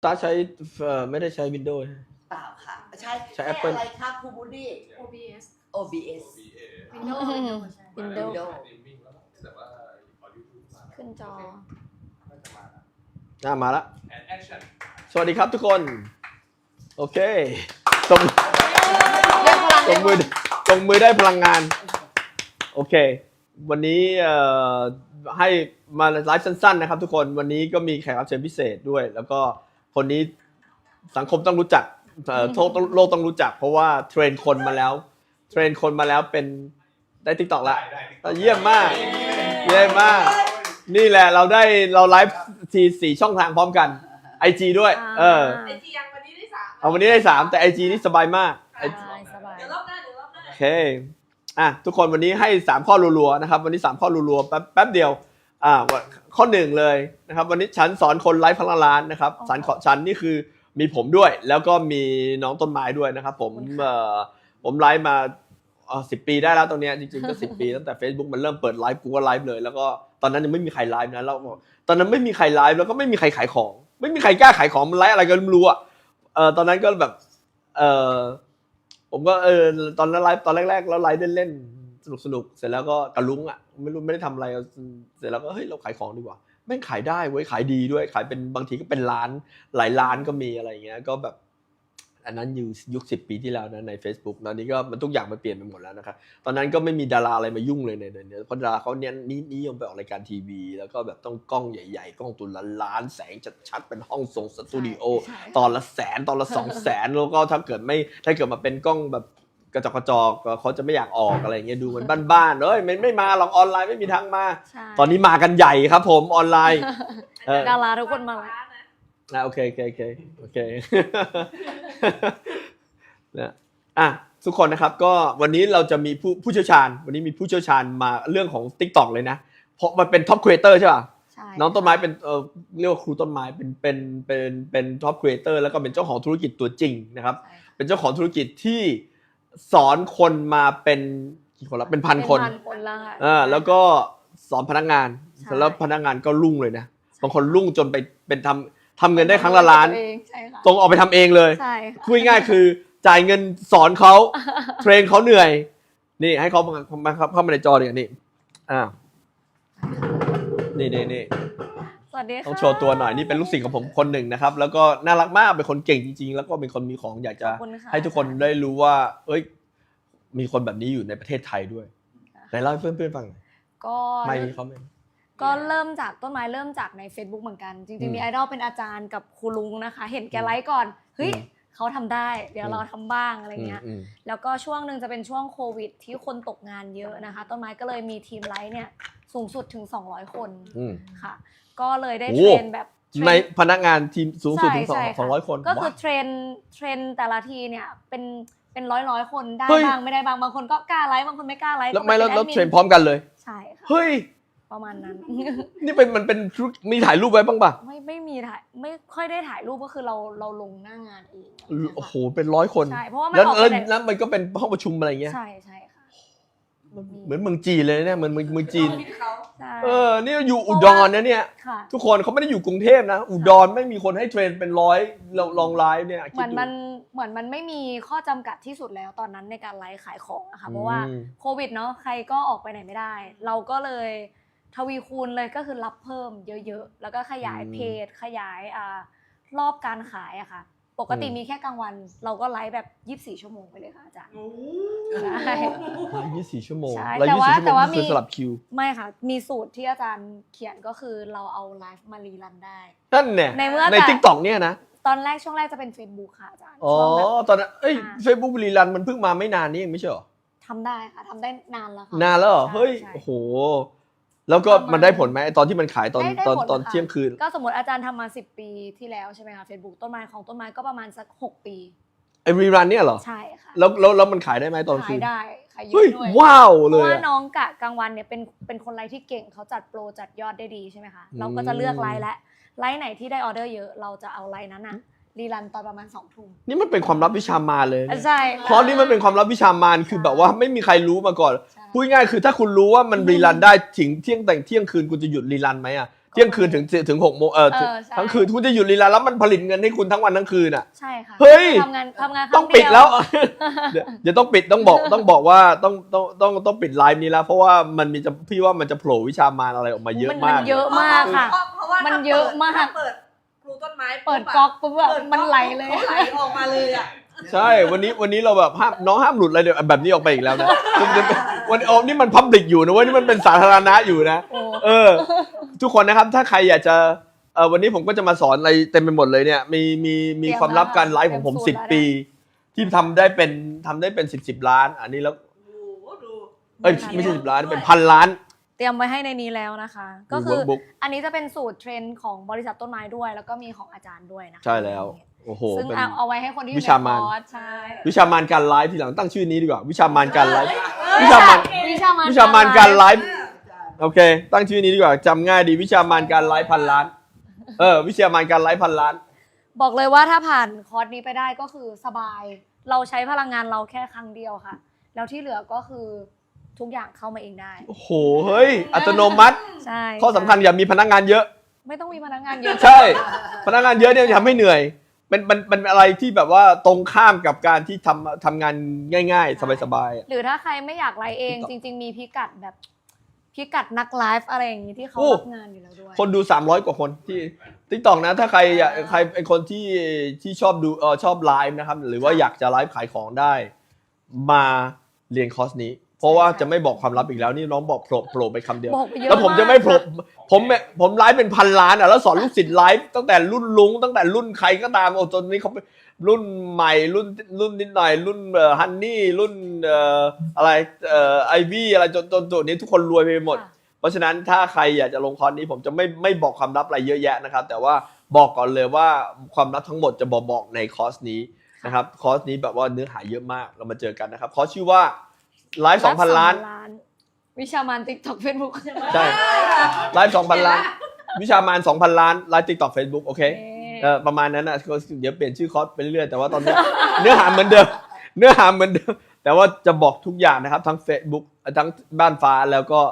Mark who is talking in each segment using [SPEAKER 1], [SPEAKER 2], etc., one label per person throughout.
[SPEAKER 1] ตาใช้ไม่ได้ใช้ Windows
[SPEAKER 2] เปล่าค่ะใช่
[SPEAKER 1] ใช้ Apple
[SPEAKER 2] อะไรครับครูบูดี้
[SPEAKER 3] OBS
[SPEAKER 2] OBS
[SPEAKER 3] Windows
[SPEAKER 4] Windows
[SPEAKER 3] ขึ้นจอ
[SPEAKER 1] มาละสวัสดีครับทุกคน โอเคตรงมือได้พลังงาน โอเค วันนี้ให้มาไลฟ์สั้นๆนะครับทุกคนวันนี้ก็มีแขกรับเชิญพิเศษด้วย แล้วก็คนนี้สังคมต้องรู้จักโลกต้องรู้จัก เพราะว่าเทรนคนมาแล้วเป็นได้ TikTok ละเยี่ยมมากนี่แหละเราไลฟ์ที4ช่องทางพร้อมกัน IG ด้วย
[SPEAKER 5] IG ยังวันนี้ได้3
[SPEAKER 1] เอาวันนี้ได้3แต่ IG นี่สบายมาก
[SPEAKER 3] สบาย
[SPEAKER 5] เดี๋ยวรอบหน้า
[SPEAKER 1] โอเคทุกคนวันนี้ให้3ข้อรัวๆนะครับวันนี้3ข้อรัวๆแป๊บเดียวข้อ1เลยนะครับวันนี้ฉันสอนคนไลฟ์พลังล้านนะครับฉันนี่คือมีผมด้วยแล้วก็มีน้องต้นไม้ด้วยนะครับผมไลฟ์มา10 ปีได้แล้วตรงนี้จริงๆก็10 ปีตั้งแต่ Facebook มันเริ่มเปิดไลฟ์กูก็ไลฟ์เลยแล้วก็ตอนนั้นยังไม่มีใครไลฟ์นะแล้วตอนนั้นไม่มีใครไลฟ์แล้วก็ไม่มีใครขายของไม่มีใครกล้าขายของมันไลฟ์อะไรก็ไม่รู้ตอนนั้นก็แบบผมก็ตอนนั้นไลฟ์ตอนแรกๆแล้วไลฟ์เล่นๆสนุกเสร็จแล้วก็กระลุ้งไม่ได้ทำอะไรเสร็จแล้วก็เฮ้ยเราขายของดีกว่าแม่งขายได้เว้ยขายดีด้วยขายเป็นบางทีก็เป็นล้านหลายล้านก็มีอะไรอย่างเงี้ยก็แบบอันนั้นอยู่ยุค10 ปีที่แล้วนะใน Facebook ตอนนี้ก็มันทุกอย่างมันเปลี่ยนไปหมดแล้วนะครับตอนนั้นก็ไม่มีดาราอะไรมายุ่งเลยในเพราะดาราเขาเน้นนิยมไปออกรายการทีวีแล้วก็แบบต้องกล้องใหญ่ๆกล้องตัวละล้านแสงชัดๆเป็นห้องส่งสตูดิโอตอนละ100,000ตอนละ200,000แล้วก็ถ้าเกิดมาเป็นกล้องแบบกระจอกเขาจะไม่อยากออกอะไรเงี้ยดูเหมือนบ้านๆไม่มาหรอกออนไลน์ไม่มีทางมาตอนนี้มากันใหญ่ครับผมออนไลน์
[SPEAKER 3] ดาราทุกคนมา
[SPEAKER 1] โอเคนะทุกคนนะครับก็วันนี้เราจะมีผู้เชี่ยวชาญวันนี้มีผู้เชี่ยวชาญมาเรื่องของ TikTok เลยนะเพราะมันเป็นท็อปครีเอเตอร์ใช่ป่ะน้องต้นไม้เป็นเรียกว่าครูต้นไม้เป็นท็อปครีเอเตอร์แล้วก็เป็นเจ้าของธุรกิจตัวจริงนะครับเป็นเจ้าของธุรกิจที่สอนคนมาเป็นกี่คนละเป็นพันคนแล้วก็สอนพนักงานแล้วพนักงานก็รุ่งเลยนะบางคนรุ่งจนไปเป็นทำเงินได้ครั้งละล้านตรงออกไปทำเองเลยพูดง่ายๆคือจ่ายเงินสอนเขาเทรนเขาเหนื่อยนี่ให้เขามาเข้ามาในจอดีกว่านี่นี่
[SPEAKER 3] สวัสดีค่ะ
[SPEAKER 1] ต้องโชว์ตัวหน่อยนี่เป็นลูกศิษย์ของผมคนหนึ่งนะครับแล้วก็น่ารักมากเป็นคนเก่งจริงๆแล้วก็เป็นคนมีของอยากจะให้ทุกคนได้รู้ว่ามีคนแบบนี้อยู่ในประเทศไทยด้วยไหนเล่าให้เพื่อนๆฟังหน่อยไม่มีเขาไม่
[SPEAKER 3] ก็เริ่มจากต้นไม้เริ่มจากใน Facebook เหมือนกันจริงๆมีไอดอลเป็นอาจารย์กับครูลุงนะคะเห็นแกไลฟ์ก่อนเฮ้ยเขาทำได้เดี๋ยวเราทำบ้างอะไรเงี้ยแล้วก็ช่วงนึงจะเป็นช่วงโควิดที่คนตกงานเยอะนะคะต้นไม้ก็เลยมีทีมไลฟ์เนี่ยสูงสุดถึง200 คนค่ะก็เลยได้เทรนแบบ
[SPEAKER 1] ในพนักงานทีมสูงสุดถึง200 คน
[SPEAKER 3] ก็คือเทรนแต่ละทีเนี่ยเป็นร้อยคนได้บ้างไม่ได้บางคนก็กล้าไลฟ์บางคนไม่กล้าไลฟ์
[SPEAKER 1] แล้วเทรนพร้อมกันเลย
[SPEAKER 3] ใช่ค่ะ
[SPEAKER 1] เฮ้ย
[SPEAKER 3] ประมาณนั้น
[SPEAKER 1] นี่มันเป็นมีถ่ายรูปไว้บ้างป่ะ
[SPEAKER 3] ไม่มีถ่ายไม่ค่อยได้ถ่ายรูปก็คือเราลงหน้างานเอง
[SPEAKER 1] โอ้โหเป็น100 คน
[SPEAKER 3] ใช่เพราะว่า
[SPEAKER 1] แล้วมันก็เป็นห้องประชุมอะไรเงี้ย
[SPEAKER 3] ใช่ค่ะ
[SPEAKER 1] เหมือนเมืองจีนเลยเนี่ยเหมือนเมืองจีนนี่อยู่อุดรนะเนี่ยทุกคนเขาไม่ได้อยู่กรุงเทพนะอุดรไม่มีคนให้เทรนเป็น100ลองไลฟ์เนี่ย
[SPEAKER 3] เหมือนมันไม่มีข้อจำกัดที่สุดแล้วตอนนั้นในการไลฟ์ขายของนะคะเพราะว่าโควิดเนาะใครก็ออกไปไหนไม่ได้เราก็เลยทวีคูณเลยก็คือรับเพิ่มเยอะๆแล้วก็ขยายเพจขยายรอบการขายอะค่ะปกติมีแค่กลางวันเราก็ไลฟ์แบบ24 ชั่วโมงไปเลยค่ะอาจารย์
[SPEAKER 1] ใช่24 ชั่วโมง
[SPEAKER 3] แต่ว่ามี
[SPEAKER 1] สลับคิว
[SPEAKER 3] ไม่ค่ะมีสูตรที่อาจารย์เขียนก็คือเราเอาไลฟ์มารีรันได้
[SPEAKER 1] นั่นเนี่ยใน TikTok เนี่ยนะ
[SPEAKER 3] ตอนแรกช่วงแรกจะเป็น Facebook ค่ะอาจารย์
[SPEAKER 1] ตอนนั้นFacebook รีรันมันเพิ่งมาไม่นานนี้เองไม่ใช่หรอ
[SPEAKER 3] ทำได้ค่ะทำได้นานแล้วค่ะ
[SPEAKER 1] นานแล้วเหรอเฮ้ยโอ้โหแล้วก็มันได้ผลไหมตอนที่มันขายตอนเที่ยงคืน
[SPEAKER 3] ก็สมมติอาจารย์ทำมา10 ปีที่แล้วใช่ไหมคะ Facebook ต้นไม้ของต้นไม้ก็ประมาณสัก6 ปี
[SPEAKER 1] รีรันเนี่ยเหรอ
[SPEAKER 3] ใช่ค่ะ
[SPEAKER 1] แล้วมันขายได้ไหมตอนคืน
[SPEAKER 3] ขายได้ขายเยอะด้วย
[SPEAKER 1] ว้าวเลย
[SPEAKER 3] เพราะว่าน้องกะกลางวันเนี่ยเป็นคนไลฟ์ที่เก่งเขาจัดโปรจัดยอดได้ดีใช่ไหมคะเราก็จะเลือกไลฟ์และไลฟ์ไหนที่ได้ออเดอร์เยอะเราจะเอาไลฟ์นั้นนะรีรันตอนประมาณ20 ทุ่ม
[SPEAKER 1] นี่มันเป็นความลับวิชามารเลย
[SPEAKER 3] ใช่
[SPEAKER 1] เพราะนี่มันเป็นความลับวิชามารคือแบบว่าไม่มีใครรู้มาก่อนพูดง่ายคือถ้าคุณรู้ว่ามันรีรันได้ถึงเที่ยงคืนคุณจะหยุดรีรันไหมเที่ยงคืนถึง6 โมง
[SPEAKER 3] ใช่
[SPEAKER 1] ทั้งคืนคุณจะหยุดลีลาแล้วมันผลิตเงินให้คุณทั้งวันทั้งคืนอ่ะ
[SPEAKER 3] ใช่ค่ะ
[SPEAKER 1] เฮ้ย
[SPEAKER 3] ทำงานครั้
[SPEAKER 1] ต้อง
[SPEAKER 3] เดียว
[SPEAKER 1] ปิดแล้ว เดี๋ยวต้องปิดต้องบอกว่าต้องปิดไลฟ์นี้แล้วเพราะว่ามันมีจะพี่ว่ามันจะโผล่วิชามารอะไรออกมาเยอะมาก
[SPEAKER 3] มันเยอะมากค่ะ
[SPEAKER 5] เพราะว่า
[SPEAKER 3] มันเยอะมาก
[SPEAKER 5] ถ้เปิดครูต้นไม้
[SPEAKER 3] เปิดก๊อกปุ๊บแบบมันไหลเลย
[SPEAKER 5] เขาไหลออกมาเลยอ่ะ
[SPEAKER 1] ใช่วันนี้เราแบบน้องห้ามหลุดอะไรเดี๋ยวแบบนี้ออกไปอีกแล้วนะวันนี่มันพับลิกอยู่นะเว้ยนี่มันเป็นสาธารณะอยู่นะ
[SPEAKER 3] โอ้
[SPEAKER 1] ทุกคนนะครับถ้าใครอยากจะวันนี้ผมก็จะมาสอนอะไรเต็มไปหมดเลยเนี่ยมีความลับการไลฟ์ของผม10 ปีที่ทำได้เป็น10ล้านอันนี้แล้ว
[SPEAKER 5] ดู
[SPEAKER 1] ไม่ใช่10 ล้านเป็น1,000 ล้าน
[SPEAKER 3] เตรียมไว้ให้ในนี้แล้วนะคะ ก็คือ
[SPEAKER 1] workbook
[SPEAKER 3] อันนี้จะเป็นสูตรเทรนด์ของบริษัทต้นไม้ด้วย แล้วก็มีของอาจารย์ด้วยนะคะ
[SPEAKER 1] ใช่แล้วโอ้โห
[SPEAKER 3] ซึ่ง
[SPEAKER 1] เป็น
[SPEAKER 3] เอาไว้ให้คนที่อยู่
[SPEAKER 1] วิชามาร
[SPEAKER 3] ในคอร์สใช่
[SPEAKER 1] วิชามารการไลฟ์ทีหลังตั้งชื่อนี้ดีกว่าวิชามารการไลฟ์
[SPEAKER 3] วิ
[SPEAKER 1] วิ
[SPEAKER 3] ชา
[SPEAKER 1] ชามาร
[SPEAKER 3] วิชามาร
[SPEAKER 1] การไลฟ์โอเค ตั้งชื่อนี้ดีกว่าจำง่ายดีวิชามารการไลฟ์1,000 ล้านวิชามารการไลฟ์1,000 ล้าน
[SPEAKER 3] บอกเลยว่าถ้าผ่านคอร์สนี้ไปได้ก็คือสบาย เราใช้พลังงานเราแค่ครั้งเดียวค่ะ แล้วที่เหลือก็คือทุกอย่างเข้ามาเองได้
[SPEAKER 1] โอ้โหเฮ้ยอัตโนมัติ
[SPEAKER 3] ใช่
[SPEAKER 1] ข้อสำคัญอย่ามีพนักงานเยอะ
[SPEAKER 3] ไม่ต้องมีพนักงานเยอะ
[SPEAKER 1] ใช่พนักงานเยอะเนี่ยจะทำให้เหนื่อยเป็นอะไรที่แบบว่าตรงข้ามกับการที่ทำงานง่ายๆ สบายๆ
[SPEAKER 3] หรือถ้าใครไม่อยากไลฟ์เองจริง ๆ มีพิกัดแบบพิกัดนักไลฟ์อะไรอย่างนี้ที่เขารับงานอยู่แล้วด้วย
[SPEAKER 1] คนดู300 กว่าคนที่ TikTok นะถ้าใครอยากใครเป็นคนที่ชอบดูชอบไลฟ์นะครับหรือว่าอยากจะไลฟ์ขายของได้มาเรียนคอร์สนี้ เพราะว่าจะไม่บอกความลับอีกแล้วนี่น้องบอกโผล่ไปคำเดียว
[SPEAKER 3] บอกไปเยอะ
[SPEAKER 1] แล้วผมจะไม่โผล่
[SPEAKER 3] าก
[SPEAKER 1] ผมไลฟ์เป็น1,000 ล้านอ่ะแล้วสอนลูกศิษย์ไลฟ์ตั้งแต่รุ่นลุงตั้งแต่รุ่นใครก็ตามโอ้ตอนนี้เขารุ่นใหม่รุ่นนิดหน่อยรุ่นฮันนี่รุ่นอะไรไอวี่อะไรจนตัวนี้ทุกคนรวยไปหมด
[SPEAKER 3] ค่ะ
[SPEAKER 1] เพราะฉะนั้นถ้าใครอยากจะลงคอร์สนี้ผมจะไม่บอกความลับอะไรเยอะแยะนะครับแต่ว่าบอกก่อนเลยว่าความลับทั้งหมดจะบอกในคอร์สนี้นะครับคอร์สนี้แบบว่าเนื้อหาเยอะมากเรามาเจอกันนะครับคอร์สชื่อว่าไลฟ์ 2,000 ล้าน
[SPEAKER 3] วิชามาน TikTok Facebook
[SPEAKER 1] ใช่ไลฟ์ 2,000 ล้านวิชามาร 2,000 ล้านไลฟ์ TikTok Facebook โอเคประมาณนั้นนะเดี๋ยวเปลี่ยนชื่อคอร์สไปเรื่อยๆแต่ว่าตอนนี้ เนื้อหาเหมือนเดิมแต่ว่าจะบอกทุกอย่างนะครับทั้ง Facebook ทั้งบ้านฟ้าแล้วก็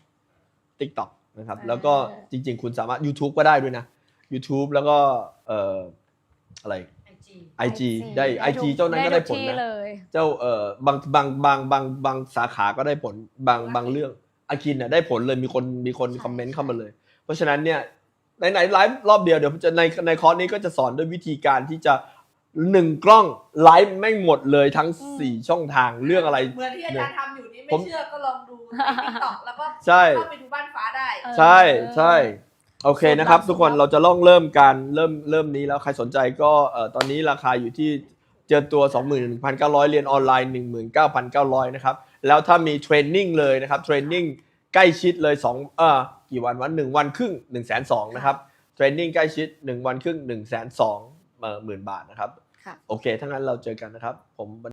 [SPEAKER 1] TikTok นะครับแล้วก็จริงๆคุณสามารถ YouTube ก็ได้ด้วยนะ YouTube แล้วก็อะไร IG ได้ IG เจ้านั้นก็ได้ผลนะเจ้าบางสาขาก็ได้ผลบางเรื่องอากินน่ะได้ผลเลยมีคนคอมเมนต์เข้ามาเลยเพราะฉะนั้นเนี่ยไหนไลฟ์รอบเดียวเดี๋ยวจะในคอร์สนี้ก็จะสอนด้วยวิธีการที่จะ1 กล้องไลฟ์ไม่หมดเลยทั้ง4 ช่องทางเรื่องอะไร
[SPEAKER 5] เหมือนที่อาจารย์ทำอยู่นี่ไม่เชื่อก็ลองดูในติ๊กต็อกแล้วก็
[SPEAKER 1] ใช่
[SPEAKER 5] เข้าไปดูบ้านฟ้าได้
[SPEAKER 1] ใช่โอเคนะครับทุกคนเราจะเริ่มนี้แล้วใครสนใจก็ตอนนี้ราคาอยู่ที่เจอตัว 21,900 เรียนออนไลน์ 19,900 นะครับแล้วถ้ามีเทรนนิ่งเลยนะครับเทรนนิ่งใกล้ชิดเลยกี่วัน1 วันครึ่ง 120,000 นะครับเทรนนิ่งใกล้ชิด1 วันครึ่ง 120,000 10,000 บาทนะครับโอเคถ้างั้นเราเจอกันนะครับผม